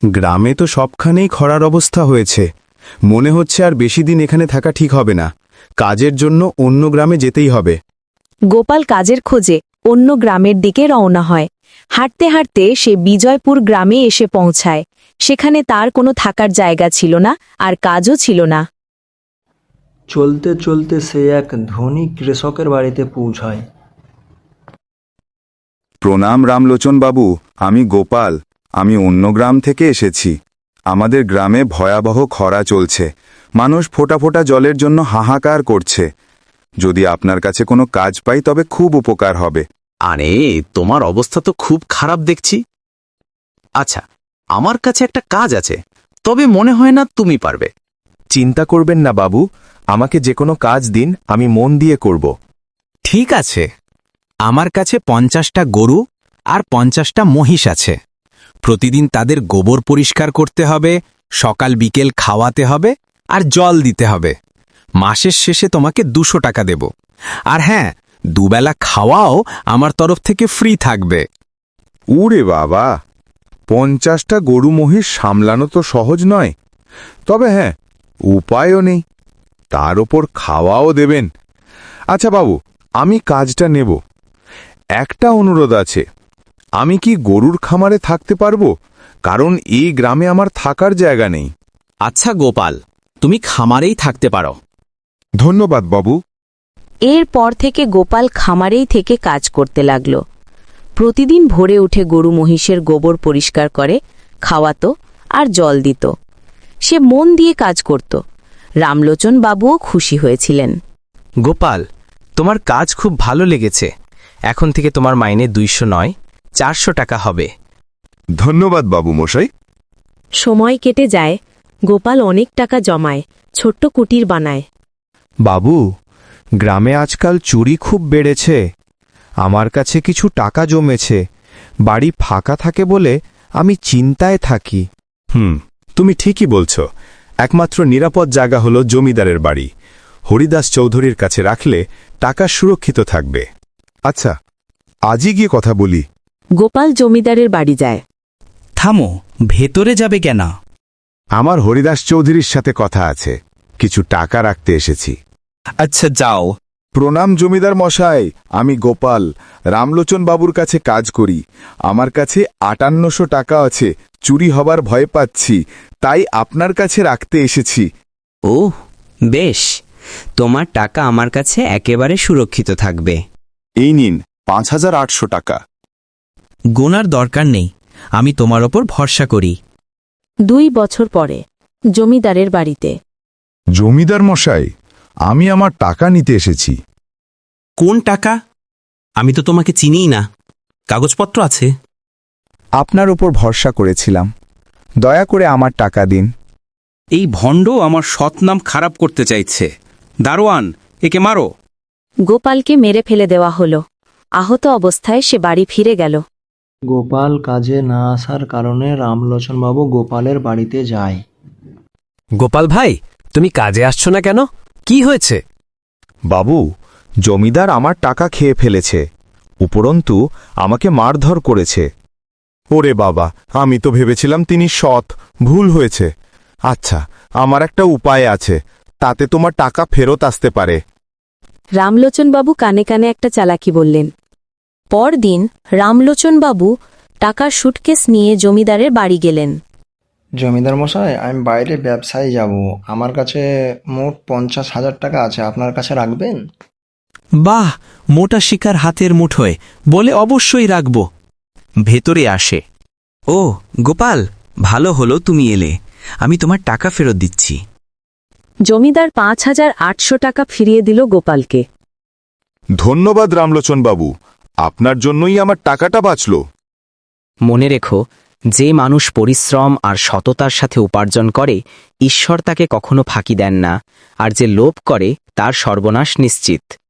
গ্রামে তো সবখানেই খরার অবস্থা হয়েছে। মনে হচ্ছে আর বেশি দিন এখানে থাকা ঠিক হবে না। কাজের জন্য অন্য গ্রামে যেতেই হবে। গোপাল কাজের খোঁজে অন্য গ্রামের দিকে রওনা হয়। হাঁটতে হাঁটতে সে বিজয়পুর গ্রামে এসে পৌঁছায়। সেখানে তার কোনো থাকার জায়গা ছিল না, আর কাজও ছিল না। চলতে চলতে সে এক ধনী কৃষকের বাড়িতে পৌঁছায়। প্রণাম রামলোচন বাবু, আমি গোপাল। আমি অন্য গ্রাম থেকে এসেছি। আমাদের গ্রামে ভয়াবহ খরা চলছে। মানুষ ফোঁটা ফোঁটা জলের জন্য হাহাকার করছে। যদি আপনার কাছে কোনো কাজ পাই তবে খুব উপকার হবে। আরে, তোমার অবস্থা তো খুব খারাপ দেখছি। আচ্ছা, আমার কাছে একটা কাজ আছে, তবে মনে হয় না তুমি পারবে। চিন্তা করবেন না বাবু, আমাকে যে কোনো কাজ দিন, আমি মন দিয়ে করব। ঠিক আছে, আমার কাছে 50টা গরু আর 50টা মহিষ আছে। প্রতিদিন তাদের গোবর পরিষ্কার করতে হবে, সকাল বিকেল খাওয়াতে হবে আর জল দিতে হবে। মাসের শেষে তোমাকে 200 টাকা দেব। আর হ্যাঁ, দুবেলা খাওয়াও আমার তরফ থেকে ফ্রি থাকবে। উরে বাবা, 50টা গরু মহিষ সামলানো তো সহজ নয়। তবে হ্যাঁ, উপায়ও নেই। তার ওপর খাওয়াও দেবেন। আচ্ছা বাবু, আমি কাজটা নেব। একটা অনুরোধ আছে, আমি কি গরুর খামারে থাকতে পারবো? কারণ এই গ্রামে আমার থাকার জায়গা নেই। আচ্ছা গোপাল, তুমি খামারেই থাকতে পারো। ধন্যবাদ বাবু। এরপর থেকে গোপাল খামারেই থেকে কাজ করতে লাগল। প্রতিদিন ভোরে উঠে গরু মহিষের গোবর পরিষ্কার করে, খাওয়াতো আর জল দিত। সে মন দিয়ে কাজ করত। রামলোচন বাবুও খুশি হয়েছিলেন। গোপাল, তোমার কাজ খুব ভালো লেগেছে। এখন থেকে তোমার মাইনে 200 নয়, 400 টাকা হবে। ধন্যবাদ বাবু মশাই। সময় কেটে যায়। গোপাল অনেক টাকা জমায়, ছোট্ট কুটির বানায়। বাবু, গ্রামে আজকাল চুরি খুব বেড়েছে। আমার কাছে কিছু টাকা জমেছে। বাড়ি ফাঁকা থাকে বলে আমি চিন্তায় থাকি। তুমি ঠিকই বলছ। একমাত্র নিরাপদ জায়গা হলো জমিদারের বাড়ি। হরিদাস চৌধুরীর কাছে রাখলে টাকা সুরক্ষিত থাকবে। আচ্ছা, আজই গিয়ে কথা বলি। গোপাল জমিদারের বাড়ি যায়। থামো, ভেতরে যাবে কেন? আমার হরিদাস চৌধুরীর সাথে কথা আছে। কিছু টাকা রাখতে এসেছি। আচ্ছা, যাও। প্রণাম জমিদার মশাই, আমি গোপাল, রামলোচন বাবুর কাছে কাজ করি। আমার কাছে 5800 টাকা আছে। চুরি হবার ভয় পাচ্ছি, তাই আপনার কাছে রাখতে এসেছি। ও বেশ, তোমার টাকা আমার কাছে একেবারে সুরক্ষিত থাকবে। এই নিন 5800 টাকা। গোনার দরকার নেই, আমি তোমার ওপর ভরসা করি। 2 বছর পরে জমিদারের বাড়িতে। জমিদার মশাই, আমি আমার টাকা নিতে এসেছি। কোন টাকা? আমি তো তোমাকে চিনিই না। কাগজপত্র আছে? আপনার উপর ভরসা করেছিলাম, দয়া করে আমার টাকা দিন। এই ভণ্ড আমার সৎনাম খারাপ করতে চাইছে। দারোয়ান, একে মারো। গোপালকে মেরে ফেলে দেওয়া হলো। আহত অবস্থায় সে বাড়ি ফিরে গেল। গোপাল কাজে না আসার কারণে রামলোচনবাবু গোপালের বাড়িতে যায়। গোপাল ভাই, তুমি কাজে আসছো না কেন? কি হয়েছে? বাবু, জমিদার আমার টাকা খেয়ে ফেলেছে। উপরন্তু আমাকে মারধর করেছে। ওরে বাবা, আমি তো ভেবেছিলাম তিনি সৎ। ভুল হয়েছে। আচ্ছা, আমার একটা উপায় আছে, তাতে তোমার টাকা ফেরত আসতে পারে। রামলোচনবাবু কানে কানে একটা চালাকি বললেন। পরদিন রামলোচনবাবু টাকার সুটকেস নিয়ে জমিদারের বাড়ি গেলেন। জমিদার মশাই, আমি বাইরে ব্যবসায় যাব। আমার কাছে মোট 50,000 টাকা আছে, আপনার কাছে রাখবেন? বাহ, মোটা শিকার হাতের মুঠোয়, বলে অবশ্যই রাখব। ভেতরে আসে। ও গোপাল, ভালো হলো তুমি এলে। আমি তোমার টাকা ফেরত দিচ্ছি। জমিদার 5800 টাকা ফিরিয়ে দিল গোপালকে। ধন্যবাদ রামলোচন বাবু, আপনার জন্যই আমার টাকাটা বাঁচল। মনে রেখো, যে মানুষ পরিশ্রম আর সততার সাথে উপার্জন করে, ঈশ্বর তাকে কখনো ফাঁকি দেন না। আর যে লোভ করে, তার সর্বনাশ নিশ্চিত।